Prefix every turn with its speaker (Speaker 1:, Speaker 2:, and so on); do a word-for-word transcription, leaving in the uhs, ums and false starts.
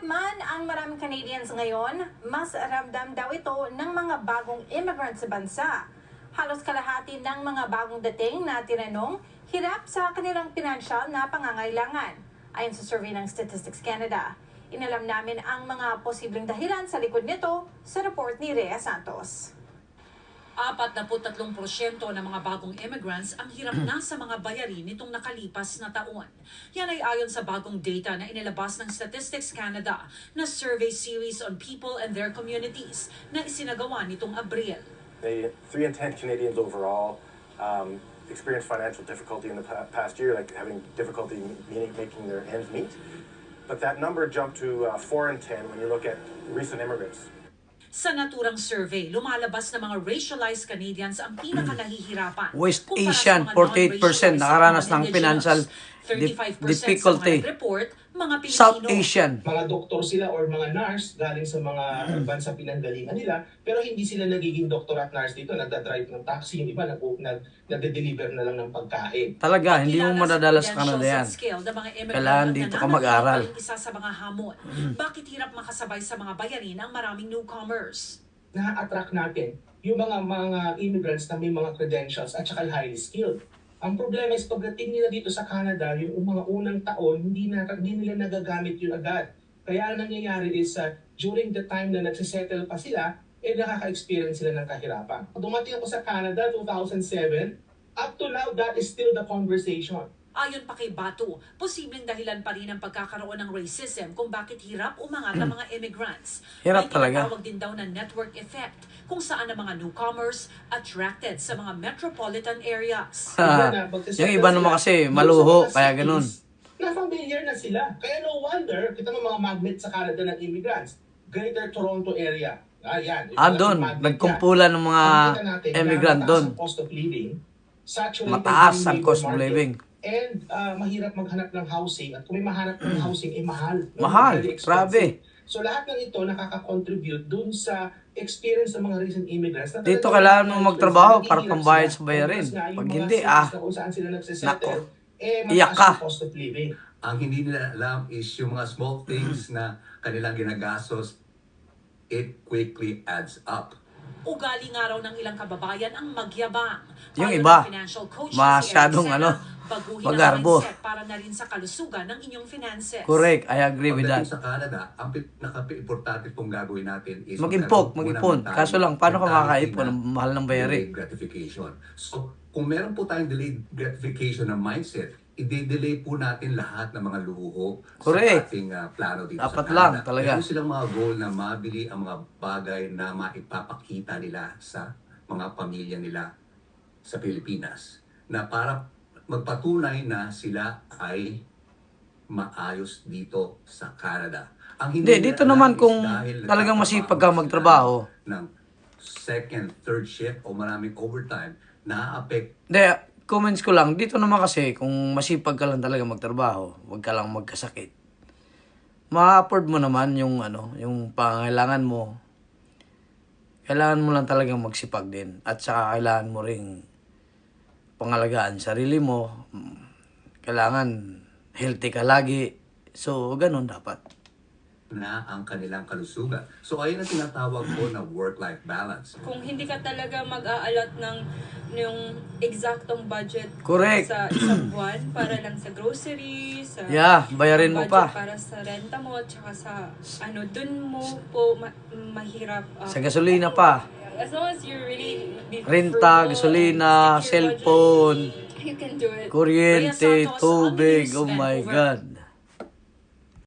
Speaker 1: Mahirap man ang maraming Canadians ngayon, mas ramdam daw ito ng mga bagong immigrants sa bansa. Halos kalahati ng mga bagong dating na tinanong, hirap sa kanilang pinansyal na pangangailangan. Ayon sa survey ng Statistics Canada, inalam namin ang mga posibleng dahilan sa likod nito sa report ni Rhea Santos.
Speaker 2: apat na tatlong porsyento ng mga bagong immigrants ang hirap na sa mga bayarin nitong nakalipas na taon. Yan ay ayon sa bagong data na inilabas ng Statistics Canada na survey series on people and their communities na isinagawa nitong Abril.
Speaker 3: three in ten Canadians overall um, experienced financial difficulty in the past year, like having difficulty meeting, making their ends meet. But that number jumped to uh, four in ten when you look at recent immigrants.
Speaker 2: Sa naturang survey, lumalabas na mga racialized Canadians ang pinaka-nahihirapan.
Speaker 4: West Asian, forty-eight percent nakaranas ng financial difficulty.
Speaker 2: Report, mga Pilipino.
Speaker 4: South Asian.
Speaker 5: Mga doktor sila or mga nurse galing sa mga bansa pinanggalingan nila, pero hindi sila nagiging doktor at nurse dito, nagda-drive ng taxi, yung iba nag nag nagde-deliver na lang ng pagkain.
Speaker 4: Talaga, hindi mo madadala sa Canada yan. Kailangan dito ka mag-aral.
Speaker 2: Isa sa mga hamon. Bakit hirap makasabay sa mga bayarin ang maraming newcomers?
Speaker 5: Na-attract natin yung mga mga immigrants na may mga credentials at saka highly skilled. Ang problema is pagdating nila dito sa Canada, yung mga unang taon, hindi, na, hindi nila nagagamit yun agad. Kaya ang nangyayari is uh, during the time na nagsisettle pa sila, eh nakaka-experience sila ng kahirapan. Dumating ako sa Canada two thousand seven, up to now, that is still the conversation.
Speaker 2: Ayon pa kay Batu, posibleng dahilan pa rin ang pagkakaroon ng racism kung bakit hirap umangat ang mga immigrants.
Speaker 4: Hirap
Speaker 2: May
Speaker 4: talaga.
Speaker 2: tinatawag din daw na network effect kung saan ang mga newcomers attracted sa mga metropolitan areas.
Speaker 4: Yung iba naman kasi maluho, kaya ganun.
Speaker 5: Na-familiar na sila. Kaya no wonder, kita mo mga magnet sa Canada ng immigrants. Greater Toronto area. Ah, yan.
Speaker 4: Ah, doon. Nagkumpulan ng mga immigrant doon. Mataas ang cost of living.
Speaker 5: And uh, mahirap maghanap ng housing. At kung may mahanap ng housing, eh mahal.
Speaker 4: Mahal, grabe.
Speaker 5: So lahat ng ito nakaka-contribute dun sa experience ng mga recent immigrants. Na
Speaker 4: Dito kailangan mo magtrabaho para pambayad sa bayarin. Pag hindi, ah, nako, iyak ka.
Speaker 6: Ang hindi nila alam is yung mga small things na kanilang ginagastos, it quickly adds up.
Speaker 2: Ugali nga raw ng ilang kababayan ang magyabang.
Speaker 4: Yung
Speaker 2: Ayon
Speaker 4: iba,
Speaker 2: ng financial coach
Speaker 4: masyadong
Speaker 2: si Eric
Speaker 4: ano,
Speaker 2: Sena, baguhin ang
Speaker 4: magarbo.
Speaker 2: mindset para na rin sa kalusugan ng inyong finances.
Speaker 4: Correct, I agree with that.
Speaker 6: Pagdating sa Canada, ang pinaka-importante pong gagawin natin is
Speaker 4: Mag-impok, mag-ipon. Kaso lang, paano ka makakaipon ng mahal ng bayarin?
Speaker 6: delayed gratification. So, kung meron po tayong delayed gratification ng mindset, i-delay po natin lahat ng mga luho
Speaker 4: Correct.
Speaker 6: sa ating uh, plano dito
Speaker 4: Dapat
Speaker 6: sa Canada.
Speaker 4: lang, talaga.
Speaker 6: Meron silang mga goal na mabili ang mga bagay na maipapakita nila sa mga pamilya nila sa Pilipinas. Na para magpatunay na sila ay maayos dito sa Canada. Ang
Speaker 4: Hindi,
Speaker 6: nila
Speaker 4: dito
Speaker 6: alam
Speaker 4: naman
Speaker 6: is
Speaker 4: kung
Speaker 6: dahil
Speaker 4: talagang
Speaker 6: nagtatrabaho
Speaker 4: masipag ka
Speaker 6: sila
Speaker 4: magtrabaho.
Speaker 6: ng second, third shift o maraming overtime, na-affect.
Speaker 4: Hindi, comments ko lang, dito naman kasi kung masipag ka lang talaga magtrabaho, huwag ka lang magkasakit. Ma-afford mo naman yung ano, yung pangailangan mo. Kailangan mo lang talagang magsipag din. At saka kailangan mo ring pangalagaan sarili mo. Kailangan healthy ka lagi. So, ganun dapat.
Speaker 6: Na ang kanilang kalusugan. So, ayun ang tinatawag ko na work-life balance.
Speaker 7: Kung hindi ka talaga mag-aalat ng yung exactong budget
Speaker 4: Correct.
Speaker 7: sa isang buwan para lang sa groceries, sa
Speaker 4: Yeah, bayarin mo
Speaker 7: budget
Speaker 4: pa.
Speaker 7: para sa renta mo, tsaka sa ano, dun mo po ma- mahirap. uh,
Speaker 4: Sa gasolina pa.
Speaker 7: As long as you really be
Speaker 4: Renta,
Speaker 7: frugal
Speaker 4: gasolina,
Speaker 7: and stick to your budget,
Speaker 4: cellphone,
Speaker 7: you can do it.
Speaker 4: kuryente,
Speaker 2: Rhea Santos,
Speaker 4: tubig.
Speaker 2: Unnews
Speaker 4: Oh my
Speaker 2: Vancouver.
Speaker 4: God.